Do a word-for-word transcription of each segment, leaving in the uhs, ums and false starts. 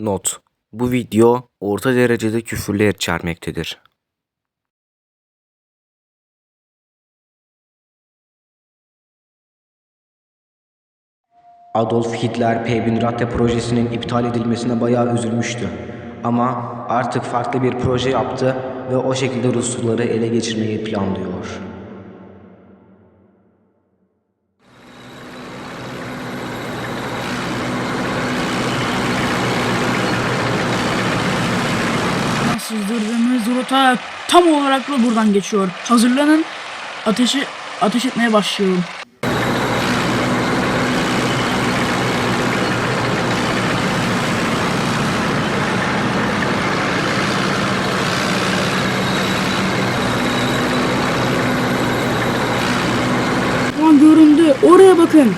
Not: Bu video orta derecede küfürler içermektedir. Adolf Hitler Peyvinratte projesinin iptal edilmesine bayağı üzülmüştü. Ama artık farklı bir proje yaptı ve o şekilde Rusları ele geçirmeyi planlıyor. Sızdırdığımız rota tam olarak da buradan geçiyor. Hazırlanın. Ateşi ateş etmeye başlıyorum. Lan göründü. Oraya bakın.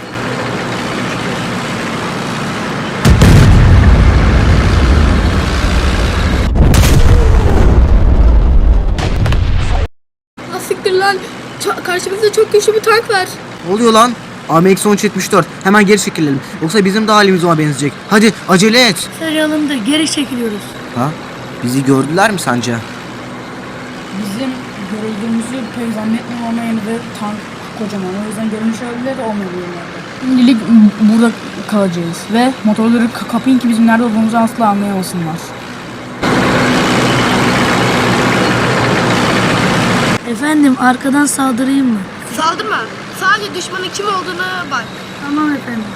Siktir lan. Ç- karşımızda çok güçlü bir tank var. Ne oluyor lan? A M X on üç yetmiş dört. Hemen geri çekilelim. Yoksa bizim de halimiz ona benzeyecek. Hadi acele et. Sarıyalımda geri çekiliyoruz. Ha? Bizi gördüler mi sence? Bizim görüldüğümüzü pek zannetmiyorum ama yine de tank kocaman. O yüzden görünüş olabilir de olmayabilirler. Şimdilik burada kalacağız ve motorları ka- kapayın ki bizim nerede olduğumuzu asla anlayamasınlar. Efendim arkadan saldırayım mı? Saldırma. Sadece düşmanın kim olduğuna bak. Tamam efendim.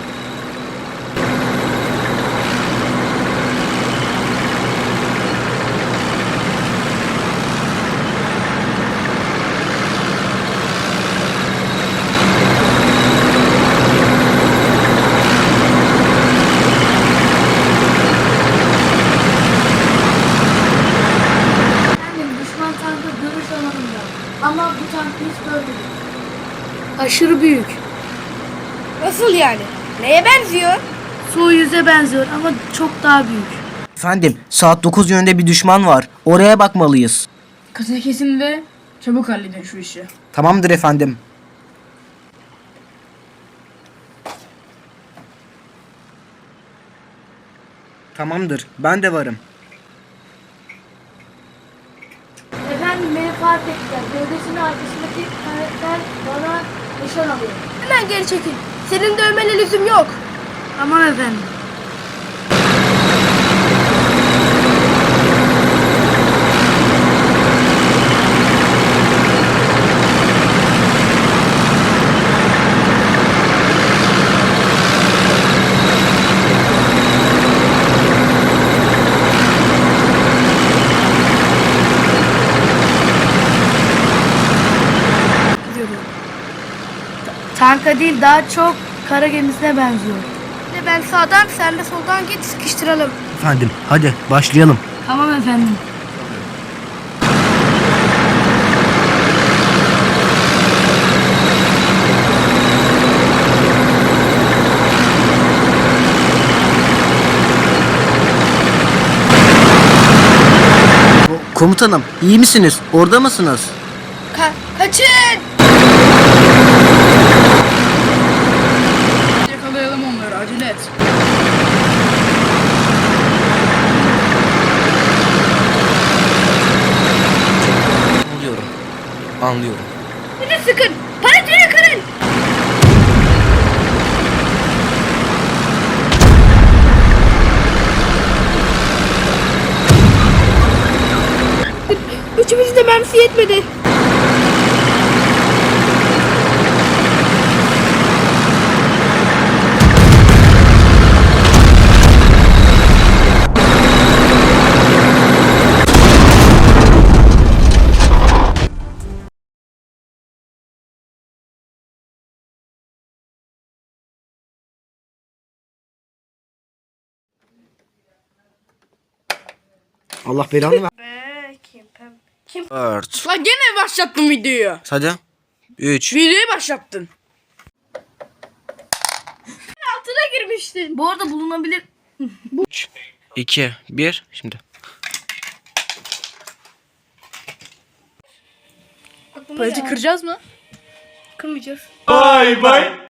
Efendim düşman tankı görüş alanında. Ama bu tankı hiç görmedik. Aşırı büyük. Nasıl yani? Neye benziyor? Su yüze benziyor ama çok daha büyük. Efendim saat dokuz yönünde bir düşman var. Oraya bakmalıyız. Kısa kesin ve çabuk halledin şu işi. Tamamdır efendim. Tamamdır. Ben de varım. Efendim beni fark ettiler. Gövdesinin arkasındaki karakter bana nişan alıyor. Hemen geri çekil. Senin dövmene lüzum yok. Tamam efendim. Tanka değil daha çok kara gemisine benziyor. Ne ben sağdan sen de soldan git sıkıştıralım. Efendim hadi başlayalım. Tamam efendim. Komutanım iyi misiniz? Orada mısınız? Ka- kaçın! Yakalayalım onları acele et. Anlıyorum. Anlıyorum. Hadi sıkın! Paletleri kırın! Üçümüzün de mermisi yetmedi. Allah belanı ver. Kim? Kim? dört. Lan gene başlattın videoyu. Hadi. üç. Videoyu başlattın. Altına girmiştin. Bu arada bulunabilir. üç. iki. bir. Şimdi. Aklıma Paleti geldi. kıracağız mı? Kırmayacağız. Vay vay.